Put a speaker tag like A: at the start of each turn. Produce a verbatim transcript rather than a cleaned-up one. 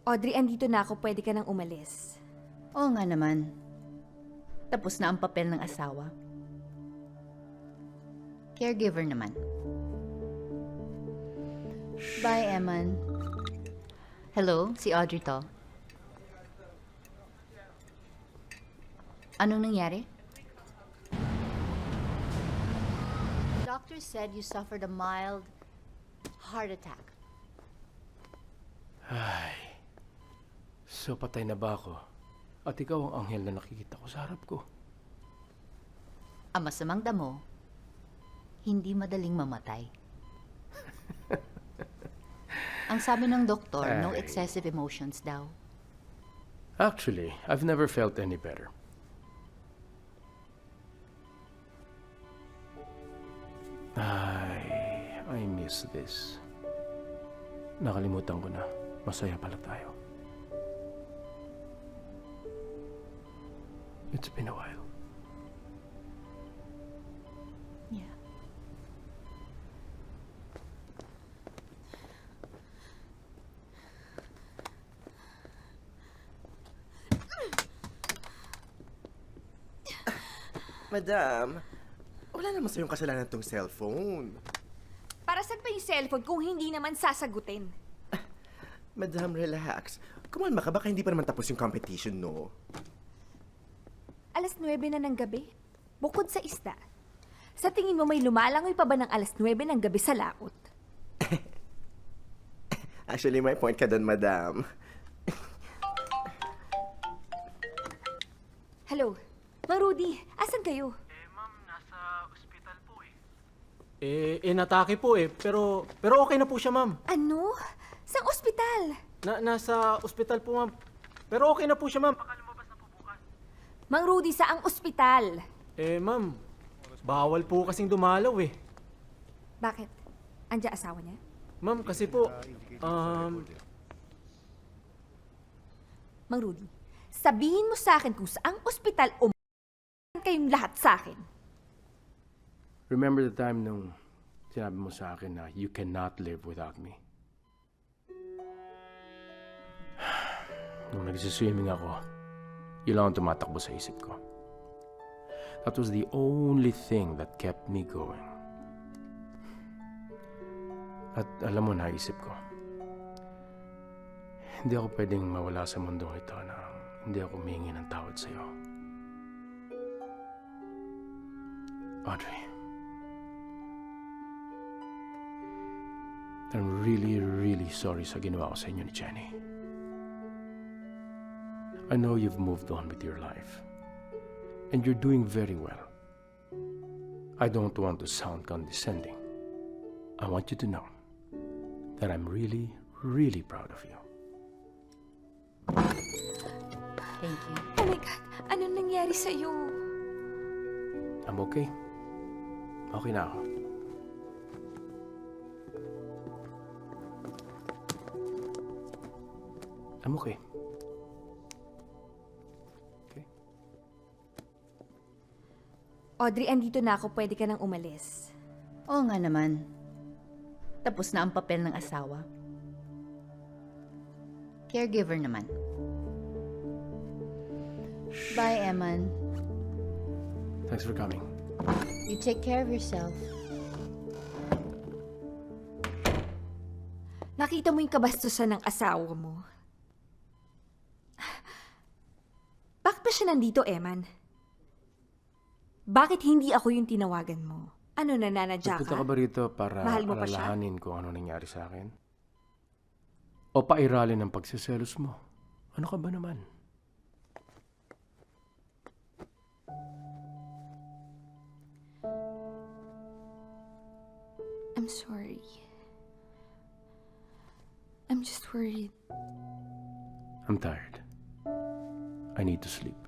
A: Audrey, andito na ako. Pwede ka nang umalis.
B: Oo nga naman. Tapos na ang papel ng asawa. Caregiver naman. Bye, Eman. Hello, si Audrey to. Anong nangyari? Doctor said you suffered a mild heart attack.
C: Ay, so patay na ba ako? At ikaw ang anghel na nakikita ko sa harap ko.
B: Ang masamang damo, hindi madaling mamatay. Ang sabi ng doktor, no
C: Ay.
B: excessive emotions daw.
C: Actually, I've never felt any better. Ay, I miss this. Nakalimutan ko na. Masaya pala tayo. It's been a while.
B: Yeah.
D: Madam, wala naman sa'yong kasalanan tong cellphone.
A: Para saan pa yung cellphone kung hindi naman sasagutin?
D: Madam, relax. Kumalma ka, baka hindi pa naman tapos yung competition, no?
A: Alas nuwebe na ng gabi. Bukod sa isda. Sa tingin mo may lumalangoy pa ba ng alas nuwebe ng gabi sa laot?
D: Actually, may point ka doon, madam.
A: Hello? Mang Rudy, asan kayo?
E: Eh, ma'am, nasa ospital po eh. Eh, inatake po eh. Pero, pero okay na po siya, ma'am.
A: Ano? Sang ospital?
E: Na, nasa ospital po, ma'am. Pero okay na po siya, ma'am. Baka lumabas na po bukas.
A: Mang Rudy, saang ospital?
E: Eh, ma'am, bawal po kasing dumalaw eh.
A: Bakit? Andiyan asawa niya?
E: Ma'am, kasi po, um,
A: Mang Rudy, sabihin mo sa akin kung saang ospital o kayong lahat sa akin.
C: Remember the time nung sinabi mo sa akin na you cannot live without me? Nung nagsiswimming ako, yun lang ang tumatakbo sa isip ko. That was the only thing that kept me going. At alam mo, naisip ko, hindi ako pwedeng mawala sa mundong ito na hindi ako humingi ng tawad sa'yo. Audrey, I'm really, really sorry sa ginawa ko sa inyo ni Jenny. I know you've moved on with your life. And you're doing very well. I don't want to sound condescending. I want you to know that I'm really, really proud of you.
B: Thank you.
A: Oh my God, anong nangyari sa'yo?
C: I'm okay. Okay na ako. I'm okay. Okay?
A: Audrey, andito na ako. Pwede ka nang umalis.
B: Oo nga naman. Tapos na ang papel ng asawa. Caregiver naman. Bye, Eman.
C: Thanks for coming.
B: You take care of yourself.
A: Nakita mo yung kabastusan ng asawa mo. Bakit ba siya nandito, Eman? Bakit hindi ako yung tinawagan mo? Ano, nananadya
C: Nagpunta
A: ka?
C: ka ba rito para
A: Mahal mo pa siya?
C: alalahanin kung ano nangyari sa akin? O pairalin ang pagsiselos mo? Ano ka ba naman?
A: I'm sorry. I'm just worried.
C: I'm tired. I need to sleep.